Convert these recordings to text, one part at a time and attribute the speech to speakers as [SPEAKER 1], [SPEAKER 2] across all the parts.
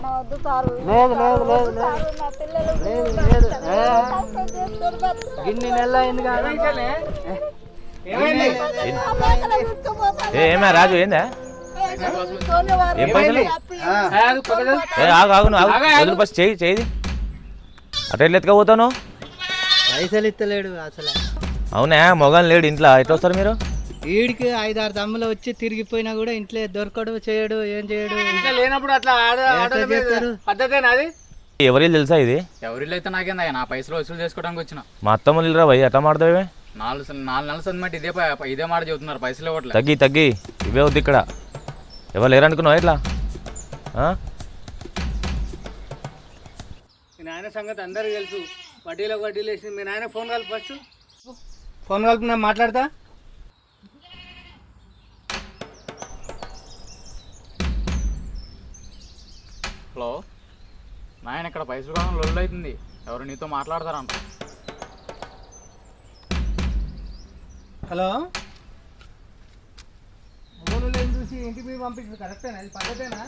[SPEAKER 1] ఇన్ని నెలలు అయింది కదా.
[SPEAKER 2] ఏమే రాజు ఏందా ఏం పైసలు ఆగు బస్ చేయి అటు ఎట్లా ఎత్తుకపోతాను
[SPEAKER 1] పైసలు ఇస్తలేడు అసలు.
[SPEAKER 2] అవునా మొగం లేడు ఇంట్లో ఎట్లా వస్తారు మీరు
[SPEAKER 1] వీడికి 5-6 దమ్ములు వచ్చి తిరిగిపోయినా కూడా ఇంట్లో దొరకడు చేయడు ఏం చేయడు.
[SPEAKER 3] లేనప్పుడు అట్లా పద్ధతేనాది.
[SPEAKER 2] ఎవరి తెలుసా ఇది
[SPEAKER 3] ఎవరిలో అయితే నాకేందా నా పైసలు వసూలు చేసుకోవడానికి వచ్చిన
[SPEAKER 2] మా అత్తమ్మ నిలరా భయ్ ఎట్లా మాడతావే
[SPEAKER 3] 4 నెలల సంది ఇదే మాట చెబుతున్నారు పైసలు ఇవ్వట్లేదు.
[SPEAKER 2] తగ్గి ఇవే వద్దు ఇక్కడ ఎవరు లేరనుకున్నావు ఎట్లా
[SPEAKER 1] మీ నాయన సంగతి అందరికీ తెలుసు. వడ్డీలో వడ్డీలు వేసి మీ నాయన ఫోన్ కలిపి ఫస్ట్ ఫోన్ కలిపి నేను మాట్లాడతా.
[SPEAKER 3] హలో నాయన ఇక్కడ పైసలు కావాలి లొల్లు అవుతుంది ఎవరు నీతో మాట్లాడతారంట.
[SPEAKER 1] హలో ఫోన్లు చూసి ఇంటికి మీరు పంపించదు కరెక్టేనా ఇది పద్ధతేనా?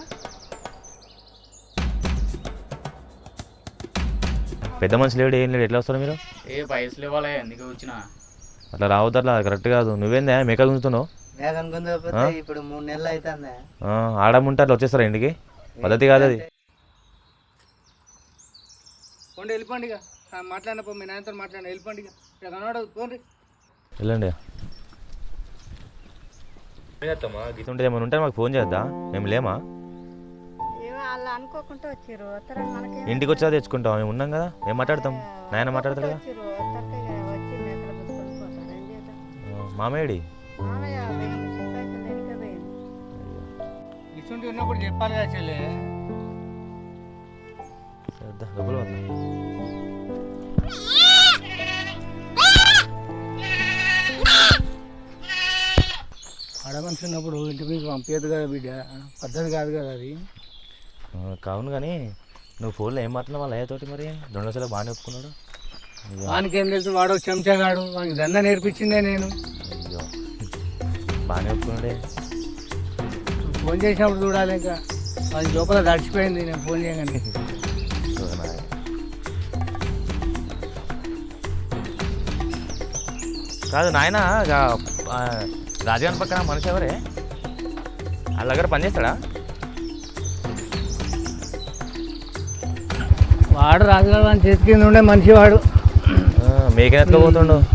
[SPEAKER 2] పెద్ద మనిషి లేడు ఏం లేడు ఎట్లా వస్తారు మీరు
[SPEAKER 3] పైసలు ఇవ్వాలి ఎందుకు వచ్చిన
[SPEAKER 2] అట్లా రావద్దు అట్లా కరెక్ట్ కాదు. నువ్వేందా మేకలు గుంజుతున్నావు
[SPEAKER 1] ఇప్పుడు 3 నెలలు అవుతుంది.
[SPEAKER 2] ఆడముంటే అట్లా వచ్చేస్తారా ఇంటికి పద్ధతి కాదు అది.
[SPEAKER 1] పోండి వెళ్ళిపోండి ఇక మాట్లాడినప్ప మీ నాయనతో మాట్లాడి వెళ్ళిపోండి ఇక కనబడదు పోండి
[SPEAKER 2] వెళ్ళండి. గీత ఉంటుంది ఏమైనా ఉంటే మాకు ఫోన్ చేద్దా మేము లేమా
[SPEAKER 4] అనుకోకుండా వచ్చారు
[SPEAKER 2] ఇంటికి వచ్చా తెచ్చుకుంటాం మేము ఉన్నాం కదా మేము మాట్లాడతాం నాయన మాట్లాడతాడు కదా మామేడి
[SPEAKER 1] ఇటువంటి ఉన్నప్పుడు చెప్పాలి కదా చెల్లె.
[SPEAKER 2] డబ్బులు
[SPEAKER 1] ఆడ మనిషి ఉన్నప్పుడు ఇంటి మీకు పంపించదు కదా బిడ్డ పద్ధతి కాదు కదా అది.
[SPEAKER 2] కావును కానీ నువ్వు ఫోన్లో ఏం మాట్లాడినా వాళ్ళ అయ్యతోటి మరి 2 లక్షలు బాగానే ఒప్పుకున్నాడు.
[SPEAKER 1] వానికి ఏం తెలుసు వాడు చెంచాగాడు వానికి దందా నేర్పించిందే నేను.
[SPEAKER 2] అయ్యో బాగానే ఒప్పుకున్నాడే.
[SPEAKER 1] ఫోన్ చేసినప్పుడు చూడాలి ఇంకా వాడి లోపల తడిచిపోయింది నేను ఫోన్ చేయగానే.
[SPEAKER 2] కాదు నాయన రాజగారి పక్కన మనిషి ఎవరే వాళ్ళ దగ్గర పనిచేస్తాడా?
[SPEAKER 1] వాడు రాజుగారు వాడి చేతి కింద ఉండే మనిషి వాడు.
[SPEAKER 2] మేకెనెత్తుకు పోతుండు